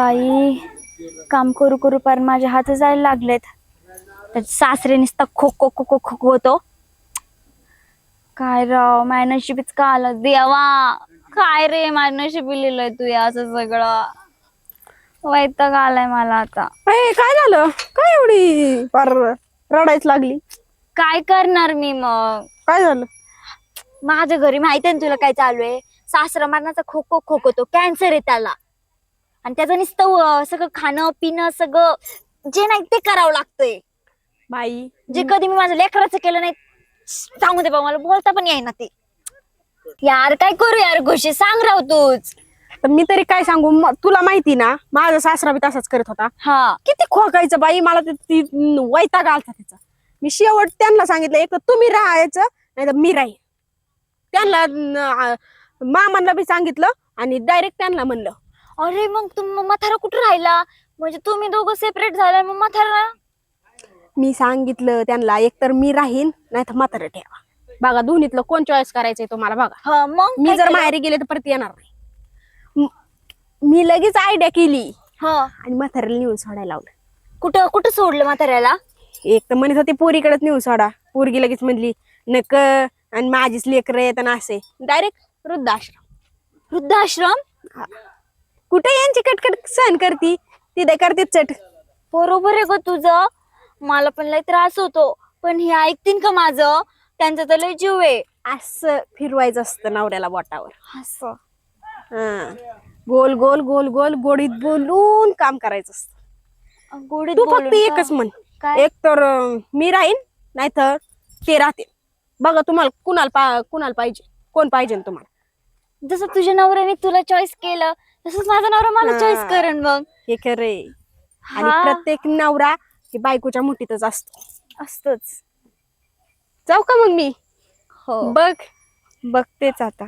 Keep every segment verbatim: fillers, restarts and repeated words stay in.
बाई काम करू करू पण माझे हात जायला लागलेत. त्याचे सासरे नुसता खो खो खो खो खो होतो. काय राव माझ्या नशिबीच का आलं देवा. काय रे माझ्या नशिबी लिहिलंय तू असं सगळं. वैताग आलाय मला आता. काय झालं काय एवढी फार रडायच लागली. काय करणार मी मग. काय झालं माझ्या घरी माहिती आहे तुला काय चालू आहे. सासरा मरणाचा खो खो खोकतो. कॅन्सर आहे त्याला. आणि त्याचं नुसतं सगळं खाणं पिणं सगळं जे नाही ते करावं लागतंय. बाई जे कधी मी माझ्या लेकराचं केलं नाही सांगू दे बा मला बोलता पण येईना ते. यार काय करू यार गोष्टी सांग राव तूच. तर मी तरी काय सांगू तुला माहिती ना माझा सासरा बी तसाच करत होता. हा किती खोकायचं बाई मला ती वैताग आलता त्याचा. मी शेवट त्यांना सांगितलं एक तर तुम्ही राहायचं नाही तर मी राहीन. त्यांना मामांना बी सांगितलं आणि डायरेक्ट त्यांना म्हणलं. अरे मग तुम म्हातारा कुठं राहिला. म्हणजे तुम्ही दोघं सेपरेट झाला मग म्हातारा. मी सांगितलं त्यांना एक तर मी राहीन नाही तर म्हातारं ठेवा. बघा दोन्हीतलं कोण चॉईस करायचंय तुम्हाला बघा. हा मग मी जर माहेरी गेले तर परत येणार नाही. मी लगेच आयडिया केली हा आणि म्हाताऱ्याला नेऊन सोडायला लावलं. कुठं कुठं सोडलं म्हाताऱ्याला. एक तर म्हणत होते पोरीकडेच नेऊन सोडा. पोरगी लगेच म्हणली नक आणि माझीच लेकर येत आणि असे डायरेक्ट वृद्धाश्रम. वृद्धाश्रम कुठे यांची कटकट सहन करती तिथे करते चट. बरोबर आहे ग तुझं. मला पण लय त्रास होतो पण हे ऐकतील का माझं. त्यांचा तर लय जीव आहे. असं फिरवायचं असतं नवऱ्याला बोटावर. असं हा गोल गोल गोल गोल गोडीत बोलून काम करायचं असतं. गोडीत तू बोलून फक्त का? एकच म्हण काय? एक तर अं, मी राहीन नाही तर ते राहते. बघा तुम्हाला कुणाला पा कुणाला पाहिजे कोण पाहिजे तुम्हाला. जसं तुझ्या नवऱ्याने तुला चॉईस केलं तसंच माझा नवरा मला हा. चॉईस करेन मग. हे खरे आणि हा. प्रत्येक नवरा हे बायकोच्या मुठीतच असतो. असतच. जाऊ का मग मी. हो बघ बघतेच आता.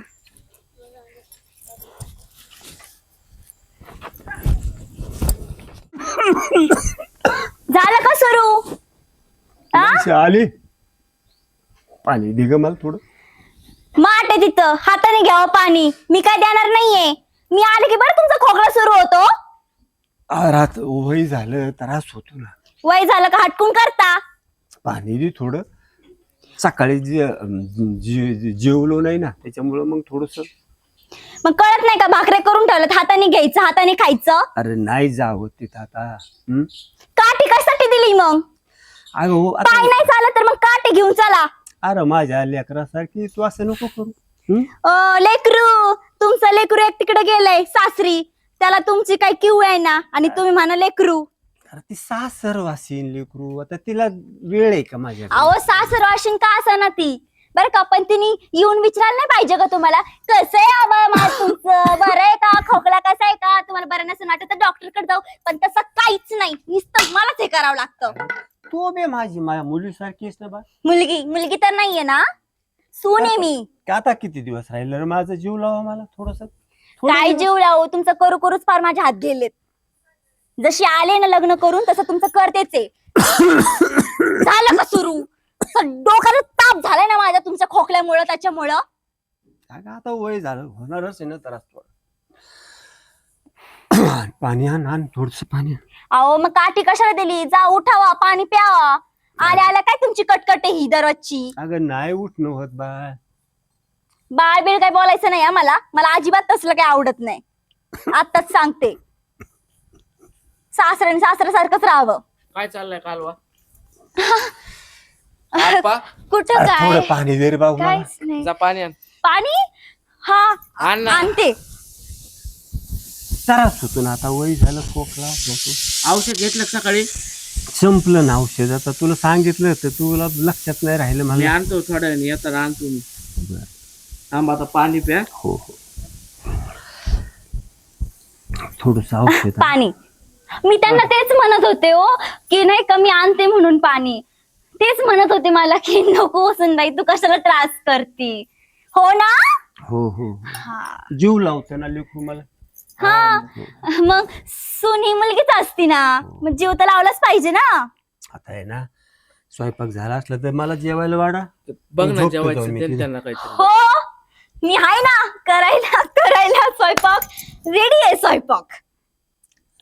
झालं का सुरू. आली पाणी दे ग मला थोडं. माठ आहे तिथं हाताने घ्यावं पाणी. मी काय देणार नाहीये. मी आले की बरं तुमचा खोकला सुरू होतो. रात वय झालं त्रास होतो ना. वय झालं का हटकून करता. पाणी दे थोडं. सकाळी जे जे- जेवलो नाही ना त्याच्यामुळं मग थोडस. मग कळत नाही का भाकऱ्या करून ठेवल्यात हाताने घ्यायचं हाताने खायचं. अरे नाही जावं तिथं आता. हम्म काठी कशासाठी दिली मग. अगं हो पाय आता. नाही चालत तर मग काठी घेऊन चला. अरे माझ्या लेकरासारखी तू असं नको करू. हम्म अ, लेकरू तुमचं लेकरू एक तिकडे गेलंय सासरी. त्याला तुमची काय किव आहे ना आणि तुम्ही म्हणा लेकरू. अरे ती सासर वासीन लेकरू आता तिला वेळ आहे का माझ्या. अहो सासर वाशिन का असं ना ती. बरं का पण तिने येऊन विचारायला नाही पाहिजे का तुम्हाला कसं आहे आबा माझ तुमचं बरं आहे का खोकला कसा आहे का तुम्हाला बरं नसेल वाटत तर डॉक्टर कडे जाऊ. पण तसं काहीच नाही नुसतं मलाच हे करावं लागतं. तू बे माझी माझ्या मुलीसारखीच ना बा. मुलगी मुलगी तर नाहीये ना. सून आहे मी. का आता किती दिवस राहिलं रे माझा जीव लावा मला थोडस. काय जीव लावू तुमचं करू करूच फार माझे हात गेलेत. जशी आले ना लग्न करून तसं तुमचं करतेच आहे. झालं का सुरू. डोक्याला ताप झालाय ना माझ्या तुमच्या खोकल्यामुळं त्याच्यामुळं. आता वय झालं होणारच आहे ना त्रास थोडा. पाणी आण आण थोडस पाणी आण. अहो मग काठी कशाला दिली. जा उठावा पाणी प्यावा. आल्या आल्या काय तुमची कटकट आहे ही दररोजची. अगं नाही उठणं होत बा. बाळ बिळ काय बोलायचं नाही मला. मला अजिबात तसलं काही आवडत नाही. आताच सांगते. सासऱ्याने सासऱ्यासारखंच राहावं. काय चाललंय कालवा. कुठं काय थोडं पाणी दे रे बाबू मला. काहीच नाही. जा पाणी आण. पाणी हा आण ना. आणते. त्रास होतो ना आता वय झालं खोकला होतो. औषध घेतलं का सकाळी. संपलं ना औषध आता तुला सांगितलं तर तुला लक्षात नाही राहिलं मी मला. आणतो थोड्या वेळाने येताना आणतो मी. बरं. थांब आता पाणी प्या. हो हो थोडस औषध आण. पाणी मी त्यांना तेच म्हणत होते हो की नाही का मी आणते म्हणून पाणी. तेच म्हणत होते मला की नको सुनबाई तू कशाला त्रास करती. हो ना. हो हो हा जीव लावतो ना लेकरू मला. हा मग सून ही मुलगीच असती ना. मग जीव तर लावलाच पाहिजे ना. आता आहे ना स्वयंपाक झाला असला तर मला जेवायला वाढा. बघ ना झोपतो जेवायचं जाऊन मी दे तिथे. त्यांना काहीतरी. हो मी आहे ना करायला करायला स्वयंपाक रेडी आहे स्वयंपाक.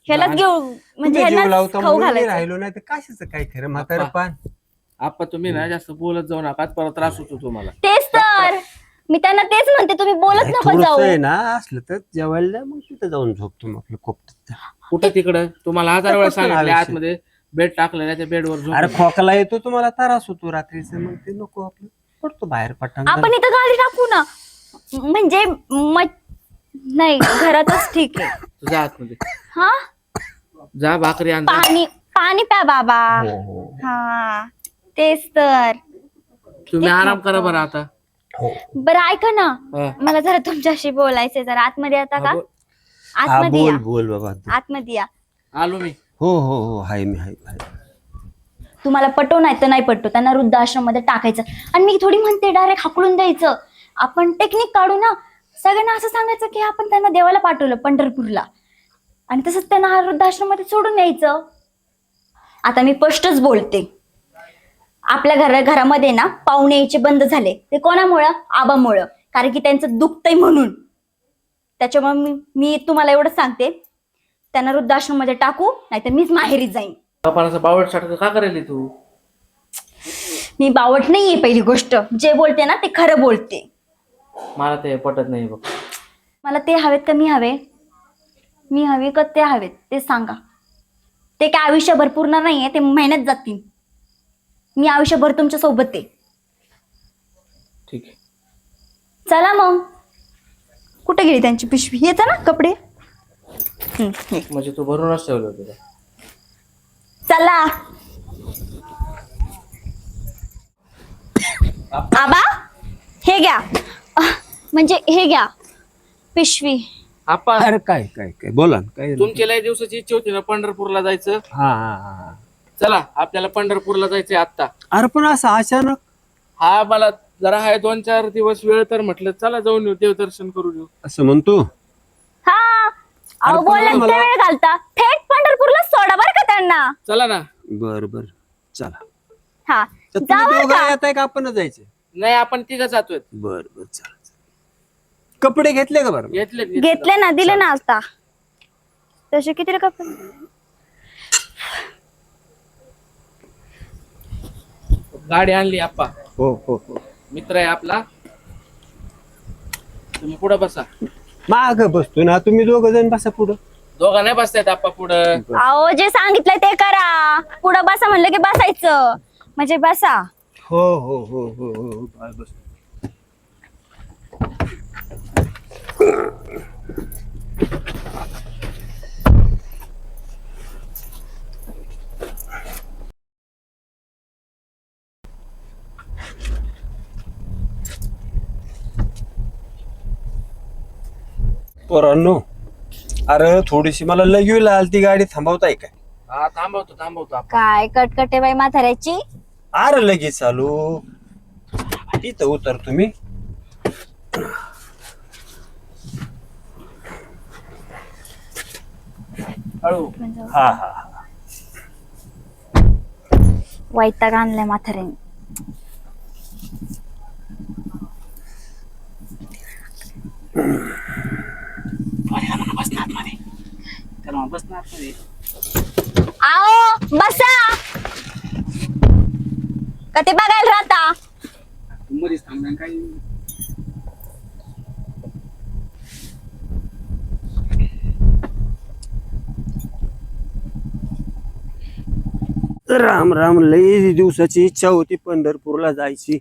ह्यालाच घेऊ म्हणजे तुम्ही जीव ह्यालाच लावता खाऊ म्हणून मी घालायचं. राहिलो नाही तर कशाचं काय खरं म्हातारं बाप्पा. पान. आप्पा तुम्ही ना जास्त बोलत जाऊ नका परत त्रास होतो तुम्हाला. तेच तर मी त्यांना तेच म्हणते, तुम्ही बोलत नाही, नको थोडंसं जाऊ. आहे ना असलं तर जेवायला जा, मग तिथं जाऊन झोपतो मग आपलं कोपऱ्यात. कुठं तिकडं तुम्हाला हजार वेळा कुठं सांगितले आयुष्य? आतमध्ये बेड टाकलेला त्या बेडवर झोप. अरे खोकला येतो तुम्हाला त्रास होतो रात्रीचा, मग ते नको आपलं पडतो बाहेर पटांगण. आपण इथं गाडी टाकू ना, म्हणजे म- नाही घरातच ठीक आहे. तुझ्या आतमध्ये हा जा भाकरी आण जा. पाणी पाणी प्या बाबा. हो, हो, हा तेच तर. तुम्ही आराम करा बरं आता. हो. बरं ऐका ना, हा. मला जरा तुमच्याशी बोलायचंय. जरा आतमध्ये येता का? हा, बोल. हा, आतमध्ये बोल या, बोल बाबा. आतमध्ये या. आलो मी. हो हो हो हाय मी हाय हाय. तुम्हाला पटो नाही तर नाही पटो, त्यांना वृद्धाश्रम मध्ये टाकायचं. आणि मी थोडी म्हणते डायरेक्ट हाकलून द्यायचं. आपण टेक्निक काढू ना, सगळ्यांना असं सांगायचं की आपण त्यांना देवाला पाठवलं पंढरपूरला, आणि तसंच त्यांना हा वृद्धाश्रम मध्ये सोडून यायचं. आता मी स्पष्टच बोलते, आपल्या घरा घरामध्ये ना पाहुणे यायचे बंद झाले. ते कोणामुळं? आबामुळं. कारण की त्यांचं दुखतंय म्हणून. त्याच्यामुळे मी मी तुम्हाला एवढं सांगते, त्यांना वृद्धाश्रम मध्ये टाकू, नाहीतर मीच माहेरी जाईन. बापाला बावळ सारखं का करेल तू? मी बावट नाहीये. पहिली गोष्ट, जे बोलते ना ते खरं बोलते. मला ते पटत नाही बघ. मला ते हवेत का मी हवे? मी हवे का ते हवेत ते सांगा. ते काय आयुष्यभर पूर्ण नाहीये, ते महिन्यात जातील. मी आयुष्यभर तुमच्या सोबत आहे. ठीक आहे. चला मग. कुठे गेली त्यांची पिशवी? येतं ना कपडे. हम्म, हे. म्हणजे तू भरूनच ठेवलं होतं का? चला. आबा हे घ्या, अह, म्हणजे हे घ्या पिशवी. आप्पा अरे काय काय काय बोला ना, काय झालं? तुमची लय दिवसाची इच्छा होती ना पंढरपूरला जायचं. हा हा हा. चला आपल्याला पंढरपूरला जायचंय आता. अरे पण असं अचानक हा मला जरा आहे दोन चार दिवस वेळ, तर म्हटलं चला जाऊन येऊ, देवदर्शन करू येऊ. असं म्हणतो. हा अहो पण बोलण्यात मला- वेळ घालता. थेट पंढरपूरला सोडा बरं का त्यांना. चला ना. बर बर चला. हा तर जा तुम्ही बरं दोघं का. येत आहे का आपणच जायचं? नाही आपण तिघं जातोय. बर बर चला. कपडे घेतले का बरं? घेतले घेतले ना, दिले ना आता. तसे किती कपडे? गाडी आणली आप्पा. हो हो हो. मित्र आहे आपला. तुम्ही पुढे बसा. माग बसतो ना, तुम्ही दोघ जण बसा पुढं. दोघा नाही बसतायत आप्पा पुढं. अहो जे सांगितलंय ते करा. पुढं बसा म्हणलं की बसायचं, म्हणजे बसा. हो हो हो हो हो बस बस. पोरांनो, अरे थोडीशी मला लगेच आलती गाडी, थांबवताय काय? हा थांबवतो थांबवतो आप्पा. काय कटकटे बाई म्हाताऱ्याची. अरे लगेच चालू इथं उतर तुम्ही. हळू. हा हा हा. वैताग आणलाय म्हाताऱ्याने. आओ बसा. का ते बघायला राहता? मध्येच थांबणार काही. राम राम, लई दिवसाची इच्छा होती पंढरपूरला जायची.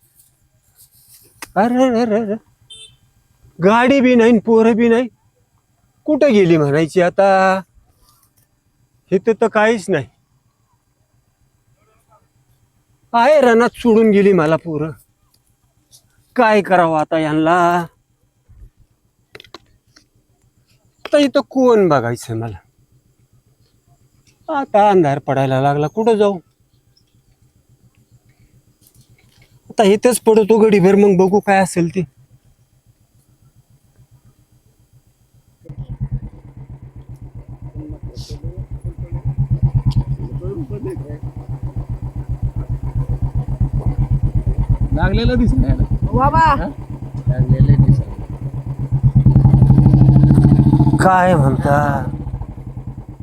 अरे अरे अरे अरे. गाडी बी नाही, पोरं बी नाही. कुठं गेली म्हणायची आता? इथं तर काहीच नाही. आहे रनात सोडून गेली मला पोरं. काय करावं आता यांना? आता इथं कोण बघायचं मला? आता अंधार पडायला लागला, कुठं जाऊ? आता इथंच पडतो गडीभर, मग बघू काय असेल ते. लागलेलं दिसत बाबा लागलेलं दिसत. काय म्हणता?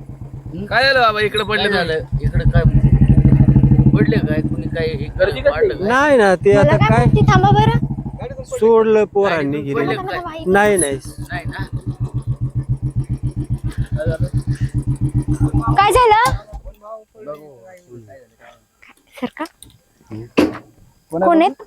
काय झालं बाबा इकडे काय पडले झालं इकडे काय पडले काय कुणी काय हे गर्दी कसली? वाढलं काय? नाही ना ते मला आता काय काय माहिती, थांबा बरं. सोडलं पोरांनी गाडीतून गेले पडले काय? नाही नाही नाही ना काय झालं सर का कोण आहेत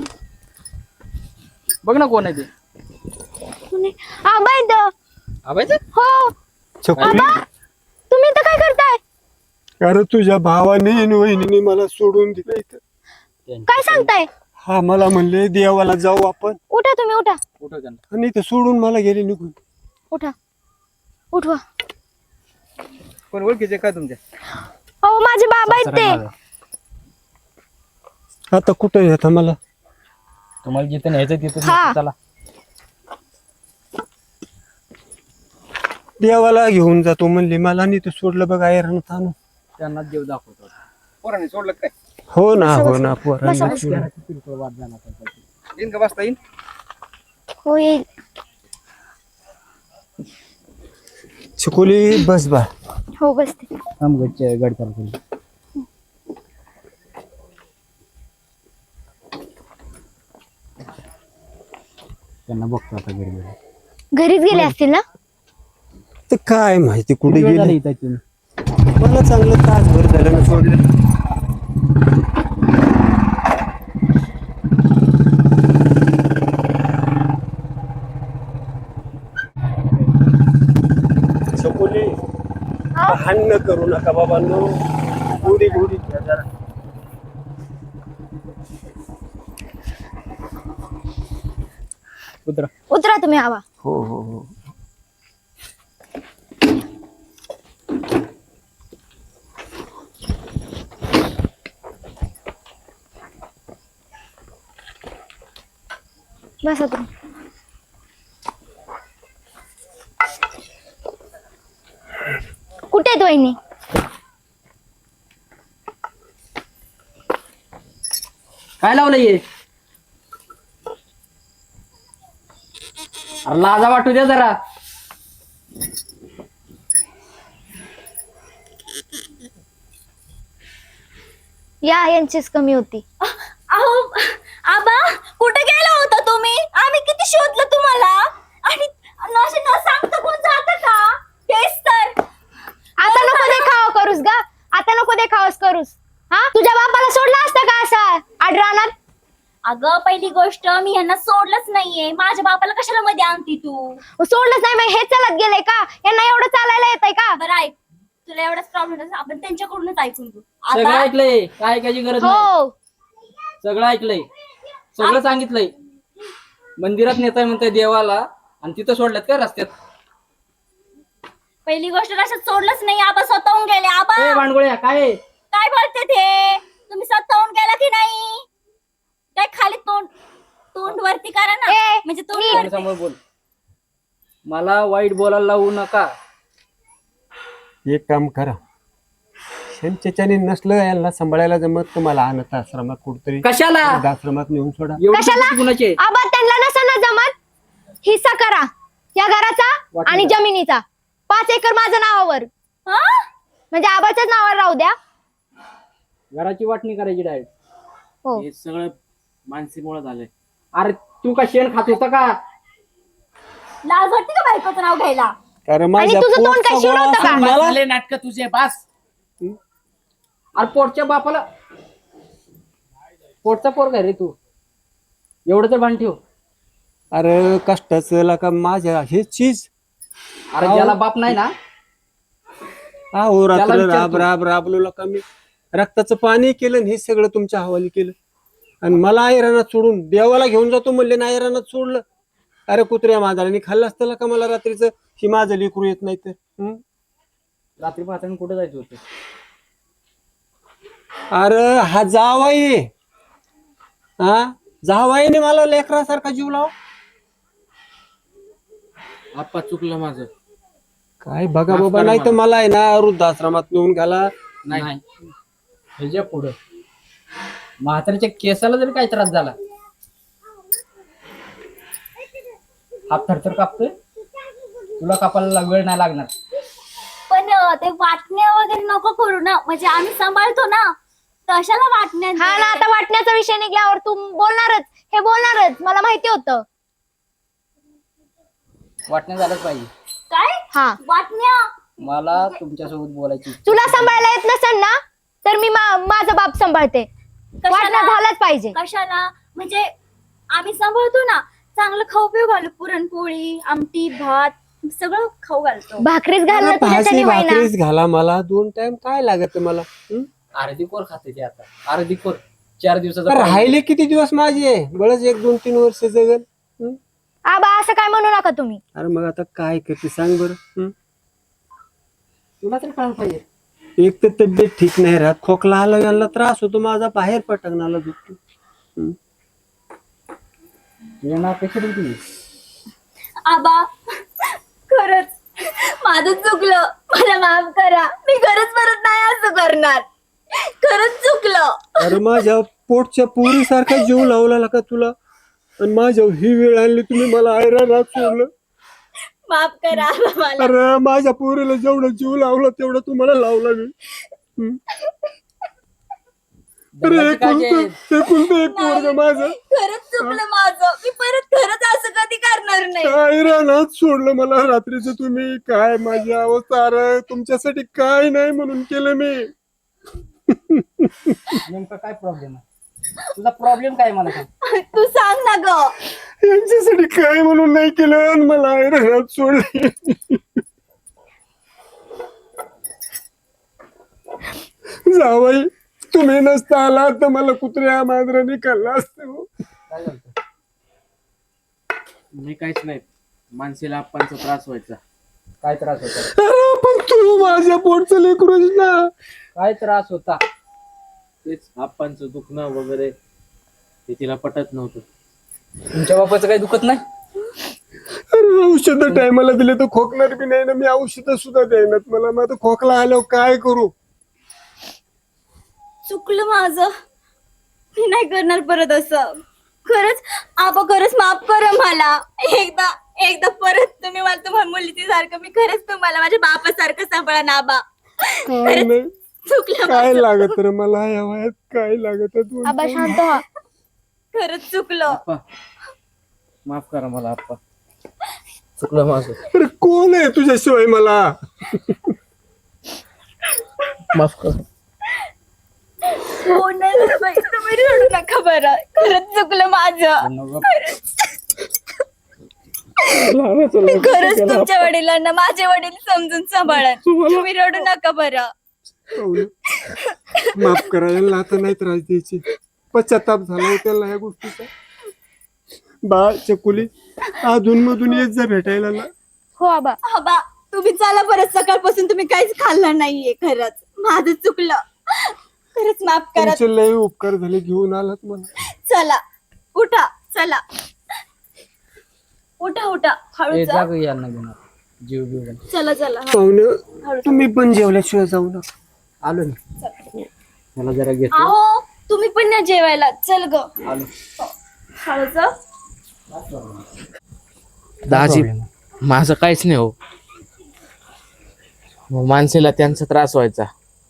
बघ ना कोण आहे ते कोण आहे? आबा आहेत. आबायचं हो छकुली आबा तुम्ही इथं काय करताय? अरे तुझ्या भावाने आणि वहिनीने मला सोडून दिलं इथं. काय सांगताय? हा मला म्हणले देवाला जाऊ आपण उठा तुम्ही उठा कुठं त्यांना आणि इथं सोडून मला गेले निघून. उठा उठवा. कोण ओळखीचे काय तुमच्या हो माझे बाबा आहेत ते. आता कुठं आहे आता मला तुम्हाला जिथे न्यायचं हा. तिथे चला देवाला घेऊन जातो म्हणले मला आणि ते सोडलं बघा ऐरण आणून. त्यांना देव दाखवतो पोरांनी सोडलं काय हो ना हो ना बसा, पोरांनी बसा. सोडलं. येईन का बसता येईन हो येईल. छकुली बस बा हो बसते. गाडी चालू त्यांना बघतो आता घरी घरीच गेले असतील ना? तर काय माहिती कुठे गेले मला चांगलं तासभर झालं ना सोडलं. छकुली भांडण करू नका बाबांनो गोडी गोडी घ्या जरा. उतरा उतरा तुम्ही आबा. हो हो हो बसा तुम्ही. कुठे आहेत वहिनी? काय लावलं ये अरे लाजा वाटू द्या जरा या यांचीच कमी होती. अहो आबा कुठे गेला होता तुम्ही? आम्ही किती शोधलं तुम्हाला आणि असे न सांगता कोण जात का? तेच तर आता नको देखावा करूस ग. आता नको देखावास करूस. हा तुझ्या बापाला सोडला असता का असा आडरानात? अगं पहिली गोष्ट मी यांना सोडलंच नाहीये. माझ्या बापाला कशाला मध्ये आणती तू? सोडलंच नाही मग हे चालत गेले का? यांना एवढं चालायला येतंय का? बरं ऐक, तुला एवढाच प्रॉब्लेम आपण त्यांच्याकडूनच ऐकून घेऊ. सगळं आता ऐकलंय काय ऐकायची गरज नाही हो सगळं ऐकलंय सगळं सांगितलंय मंदिरात नेताय म्हणताय देवाला आणि तिथं सोडल्यात का रस्त्यात पहिली गोष्ट रशात सोडलंच नाही. आबा स्वतःहून गेले. आबा ए भांडगोळ्या काय आहे? काय बोलते ते? तुम्ही स्वतःहून गेला की नाही? काय खाली तोंड तोंड वरती करा ना. ए, म्हणजे तोंड समोर वरती. समोर बोल मला वाईट बोलायला लावू नका एक काम करा शेमच्याने नसलं याला सांभाळायला जमत तुम्हाला अनाथ आश्रमात कुठतरी कशाला आश्रमात नेऊन सोडा. एवढी कशाला? संपत्ती कुणाची आहे? आबा त्यांना नसना जमत हिस्सा करा या घराचा वाटलं आणि का? जमिनीचा. पाच एकर माझ्या नावावर हा? म्हणजे आबाच्याच नावावर राहू द्या. घराची वाटणी करायची डायरेक्ट हो हे सगळं मानसीमुळे झालंय अरे तू का शेण खात होता का लाज वाटते का बायकोचं नाव घ्यायला? कारण आणि माझ्या तुझं तोंड काय पोटचा शिवलं होतं गोळा का? असून मला झाले नाटक तुझे बास अरे पोटच्या बापाला पोटचा पोर काय रे तू एवढं तर भान ठेव अरे कष्टाचं का माझ्या हे चीज अरे ज्याला बाप नाही ना हो त्याला रात्र विचार राब तू. राब राबलो का मी रक्ताचं पाणी केलं आणि हे सगळं तुमच्या हवाली केलं आणि मला ऐरानात सोडून देवाला घेऊन जातो म्हणले ना ऐरानात सोडलं. अरे कुत्र्या मांजरांनी खाल्लं असतं का मला रात्रीचं ही माझं लेकरू येत नाही तर हं? रात्री पाहताना कुठे जायचं होतं अरे हा जावाई हा जावाईने मला लेकरासारखा जीव लाव. आप्पा चुकलं माझं काय बघा माफ बाबा करा नाही तर मला. मला आहे ना वृद्धाश्रमात नेऊन घाला. नाही ह्याच्या पुढं म्हातारीच्या केसाला जरी काही त्रास झाला हात थरथर कापतोय तुला कापायला वेळ नाही लागणार. पण ग ते वाटण्या वगैरे नको करू ना, म्हणजे आम्ही सांभाळतो ना, कशाला वाटण्या. हा ना, आता वाटण्याचा विषय निघल्यावर तू बोलणारच, हे बोलणारच, मला माहिती होतं. वाटण्या झालंच पाहिजे. काय हा, वाटण्या? मला तुमच्यासोबत बोलायची इच्छा. तुला सांभाळायला येत नसेल ना तर मी मा- माझा बाप सांभाळते. वाटणं झालंच पाहिजे. कशाला म्हणजे आम्ही सांभाळतो ना, चांगलं खाऊ पिऊ घालू, पुरणपोळी, आमटी, भात सगळं खाऊ घालतो. भाकरीच घालणं भाजी तुझ्यासाठी होईना. भाकरीच घाला, मला दोन टाइम काय लागत मला हं? अर्धी कोर खाते ते आता, अर्धी कोर चार दिवसाचा अरे प्रवास. राहिले किती दिवस माझे, बळच एक दोन तीन वर्ष जगल. हं? आबा असं काय म्हणू नका तुम्ही. अरे मग आता काय करते सांग बरं. हं? तुला तरी कळलं पाहिजे. एक तर तब्येत ठीक नाही राहत, खोकला आला यांना त्रास होतो माझा, बाहेर पटकनाला दुखतो. हं? तुझ्या अपेक्षा होती. आबा खरंच माझं चुकलं, मला माफ करा, मी खरंच परत नाही असं करणार, खरंच चुकलं. अरे माझ्या पोटच्या पोरीसारखा जीव लावला का तुला, आणि माझ्या ही वेळ आणली तुम्ही, मला आयरानात सोडलं. माफ करा आबा मला. अरे माझ्या पोरीला जेवढं जीव लावला तेवढं तुम्हाला लावला मी. हं? अरे दगडाची काळजी आहे. एकुलतं एकुलतं एक पोरगं माझं खरंच चुकलं माझं, मी परत खरंच असं कधी करणार नाही. काय रानात सोडलं मला रात्रीचं तुम्ही, काय माझी अवस्था. अरे तुमच्यासाठी काय नाही म्हणून केलं मी. नेमका काय प्रॉब्लेम आहे तुझा, प्रॉब्लेम काय मला सांग. तू सांग ना ग. यांच्यासाठी काय म्हणून नाही केलं आणि मला रानात सोडले. जावई तुम्ही नसता आला तर मला कुत्र्या मांजराने खाल्ला असतं. काय झालं? मी काहीच नाही, मानसीला आप्पांचा त्रास व्हायचा. काय त्रास होता? अरे पण तू माझ्या पोटचं लेकरूच ना. काय त्रास होता? तेच आप्पांचं दुखणं वगैरे ते तिला पटत नव्हतं. तुमच्या बापाचं काही दुखत नाही? अरे औषध टायमाला दिले तर खोकणार बी नाही ना, मी औषध सुद्धा द्यायनात मला. मग आता खोकला आल्यावर काय करू. चुकलं माझं, मी नाही करणार परत असं. खरंच आबा, खरंच माफ करा मला. एकदा एकदा परत तुम्ही मला तुम्हाला मुलीची सारखं, मी खरंच तुम्हाला माझ्या बापासारखं सांभाळा ना आबा. काय नाही चुकलं काय माझं. लागत रे मला या वयात, काय लागत आबा शांत व्हा. खरंच चुकलं. आप्पा माफ करा मला आप्पा, चुकलं माझं. अरे कोण आहे तुझ्याशिवाय मला. माफ करा. हो नाही रे बाई, तुम्ही रडू नका बरं, खरंच चुकलं माझं. मी खरंच तुमच्या वडिलांना माझे वडील समजून सांभाळा, तुम्ही रडू नका बरं. पाहुणे, माफ करा यांना, आता नाही त्रास द्यायची. पश्चाताप झाला त्याला या गोष्टीचा. बा चकुली अधून मधून येत जा भेटायला ना. हो आबा. आबा तुम्ही चला परत, सकाळपासून तुम्ही काहीच खाल्लं नाहीये, खरंच माझं चुकलं, खरंच माफ करा. तुमचे लय उपकार झाले, घेऊन आलात मला. चला उठा, चला उठा उठा, हळू ए, जा. जा गं, यांना घेऊन आलो. जीव जीव घाल. चला चला हा. पाहुणे तुम्ही पण जेवल्याशिवाय जाऊ नका. आलो मी. मला जरा घेतो. अहो तुम्ही पण ना जेवायला, चल ग. आलो. हळू जा. दाजी माझं काहीच नाही हो, मानसीला त्यांचा त्रास व्हायचा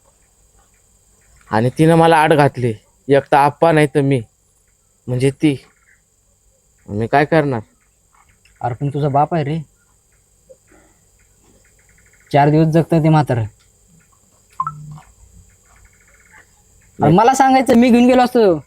आणि तिनं मला आड घातली. एक तर आप्पा नाही तर मी, म्हणजे ती. मी काय करणार. अरे पण तुझा बाप आहे रे, चार दिवस जगतं ते म्हातारं. अरे मला सांगायचं, मी घेऊन गेलो असतो,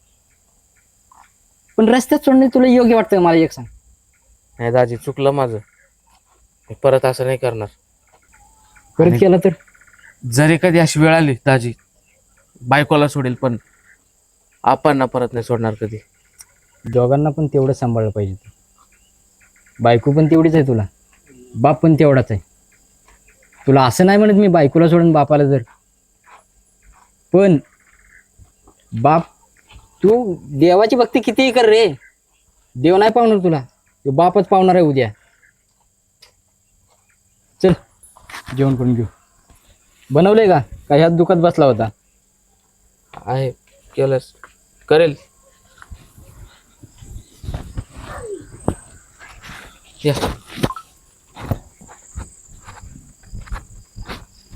पण रस्त्यात सोडणे तुला योग्य वाटतं? मला एक सांग. नाही दाजी, चुकलं माझं, मी परत असं नाही करणार. परत आणि- केलं तर जरी कधी अशी वेळ आली दाजी, बायकोला सोडेल पण आप्पांना परत नाही सोडणार कधी. दोघांना पण तेवढं सांभाळलं पाहिजे. बायको पण तेवढीच आहे तुला, बाप पण तेवढाच आहे. तुला असं नाही म्हणत मी बायकोला सोडून बापाला जर, पण बाप तू देवाची भक्ती कितीही कर रे, देव नाही पावणार तुला, तो बापच पावणार आहे उद्या. चल जेवण करून घेऊ. बनवलंय का काय ह्यात दुखात बसला होता? आहे, केलंस करेल. या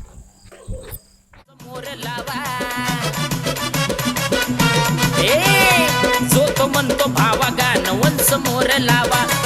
म्हणतो भावा गाणं वंस मोर लावा